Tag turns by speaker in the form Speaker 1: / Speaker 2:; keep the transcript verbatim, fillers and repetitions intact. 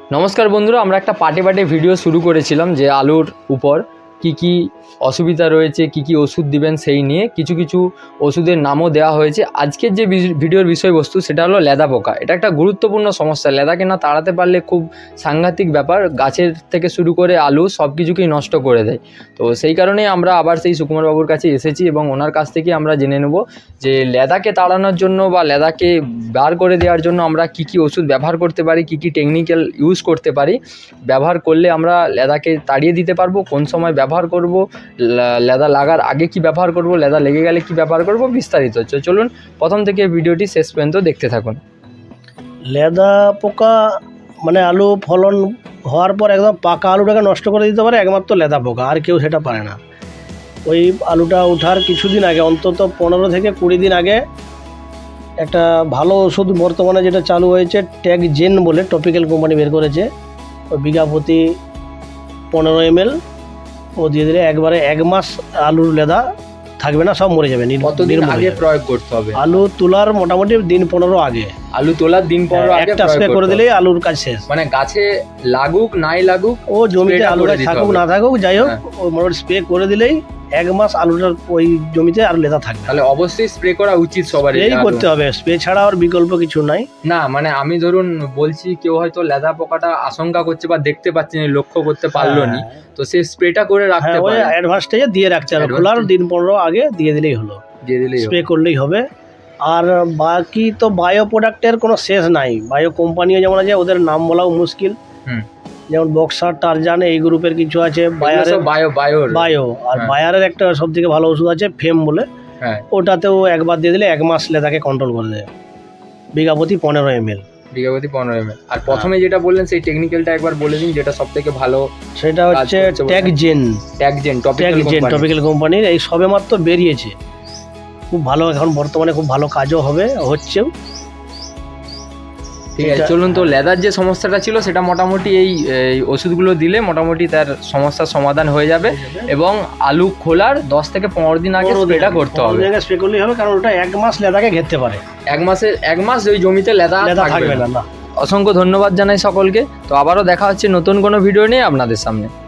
Speaker 1: নমস্কার বন্ধুরা, আমরা একটা পার্টে পার্টে ভিডিও শুরু করেছিলাম যে আলুর উপর কি কি অসুবিধা রয়েছে, কি কি ওষুধ দিবেন সেই নিয়ে কিছু কিছু ওষুধের নামও দেওয়া হয়েছে। আজকের যে ভিডিওর বিষয়বস্তু সেটা হলো লেদা পোকা। এটা একটা গুরুত্বপূর্ণ সমস্যা। লেদাকে না তাড়াতে পারলে খুব সাংঘাতিক ব্যাপার, গাছের থেকে শুরু করে আলু সব কিছুকেই নষ্ট করে দেয়। তো সেই কারণেই আমরা আবার সেই সুকুমার বাবুর কাছে এসেছি এবং ওনার কাছ থেকে আমরা জেনে নেব যে লেদাকে তাড়ানোর জন্য বা লেদাকে বার করে দেওয়ার জন্য আমরা কি কি ওষুধ ব্যবহার করতে পারি, কি কি টেকনিক্যাল ইউজ করতে পারি, ব্যবহার করলে আমরা লেদাকে তাড়িয়ে দিতে পারবো, কোন সময় ব্যবহার করব, লেদা লাগার আগে কি ব্যবহার করব, লেদা লেগে গেলে কি ব্যবহার করব, বিস্তারিত হচ্ছে। চলুন প্রথম থেকে ভিডিওটি শেষ পর্যন্ত দেখতে থাকুন।
Speaker 2: লেদা পোকা মানে আলু ফলন হওয়ার পর একদম পাকা আলুটাকে নষ্ট করে দিতে পারে একমাত্র লেদা পোকা, আর কেউ সেটা পারে না। ওই আলুটা ওঠার কিছুদিন আগে, অন্তত পনেরো থেকে কুড়ি দিন আগে একটা ভালো ওষুধ বর্তমানে যেটা চালু হয়েছে ট্যাগ জেন বলে টপিক্যাল কোম্পানি বের করেছে, ওই বিঘা প্রতি পনেরো এম এল ও দিয়ে দিলে একবারে এক মাস আলুর লেদা থাকবে না, সব মরে যাবে।
Speaker 1: কতদিন আগে প্রয়োগ করতে হবে?
Speaker 2: আলু তোলার মোটামুটি দিন পনেরো আগে।
Speaker 1: আলু তোলার দিন পনেরো আগে
Speaker 2: একটা স্প্রে করে দিলেই আলুর কাজ শেষ।
Speaker 1: মানে গাছে লাগুক নাই লাগুক,
Speaker 2: ও জমিতে আলুটা থাকুক না থাকুক যাই হোক, ওই মোটামুটি স্প্রে করে দিলেই এক মাস আলুটার ওই জমিতে আর লেদা থাকবে।
Speaker 1: তাহলে অবশ্যই স্প্রে করা উচিত সবারই।
Speaker 2: এই করতে হবে, স্প্রে ছাড়া আর বিকল্প কিছু নাই।
Speaker 1: না মানে আমি ধরুন বলছি, কেউ হয়তো লেদা পোকাটা আশঙ্কা করছে বা দেখতে পাচ্ছে না, লক্ষ্য করতে পারলো না, তো সে স্প্রেটা করে রাখতে পারে।
Speaker 2: ওই অ্যাডভান্স স্টেজে দিয়ে রাখতে হবে, খোলার দিন পনেরো আগে দিয়ে দিলেই হলো,
Speaker 1: দিয়ে দিলেই
Speaker 2: স্প্রে করলেই হবে। আর বাকি তো বায়ো প্রোডাক্টের কোনো শেষ নাই। বায়ো কোম্পানিও যেমন আছে, ওদের নাম বলাও মুশকিল। যেমন বক্সার, টারজান এই গ্রুপের কিছু আছে। বায়ারের
Speaker 1: বায়ো বায়ো
Speaker 2: বায়ো আর বায়ারের একটা সব থেকে ভালো ওষুধ আছে ফেম বলে, ওটাতেও একবার দিয়ে দিলে এক মাস লেদাকে কন্ট্রোল করে দেয়, বিঘা প্রতি পনেরো এম এল
Speaker 1: বিঘা প্রতি পনেরো এম এল। আর প্রথমে যেটা বললেন সেই টেকনিক্যালটা একবার বলে দিন, যেটা সব থেকে ভালো।
Speaker 2: সেটা হচ্ছে tag zen.
Speaker 1: Tag zen
Speaker 2: tag zen topical কোম্পানির, এই সবে মাত্র বেরিয়েছে, খুব ভালো, এখন বর্তমানে খুব ভালো কাজও হবে, হচ্ছেও।
Speaker 1: ঠিক আছে, চলুন। তো লেদার যে সমস্যাটা ছিল সেটা মোটামুটি এই ওষুধগুলো দিলে মোটামুটি তার সমস্যার সমাধান হয়ে যাবে এবং আলু খোলার দশ থেকে পনেরো দিন আগে স্প্রেটা করতে হবে।
Speaker 2: স্প্রে করলেই হবে, কারণ ওটা এক মাস লেদাকে ঘেরতে পারে।
Speaker 1: এক মাসে এক মাস ওই জমিতে লেদা থাকবে না। অসংখ্য ধন্যবাদ জানাই সকলকে। তো আবারও দেখা হচ্ছে নতুন কোনো ভিডিও নিয়ে আপনাদের সামনে।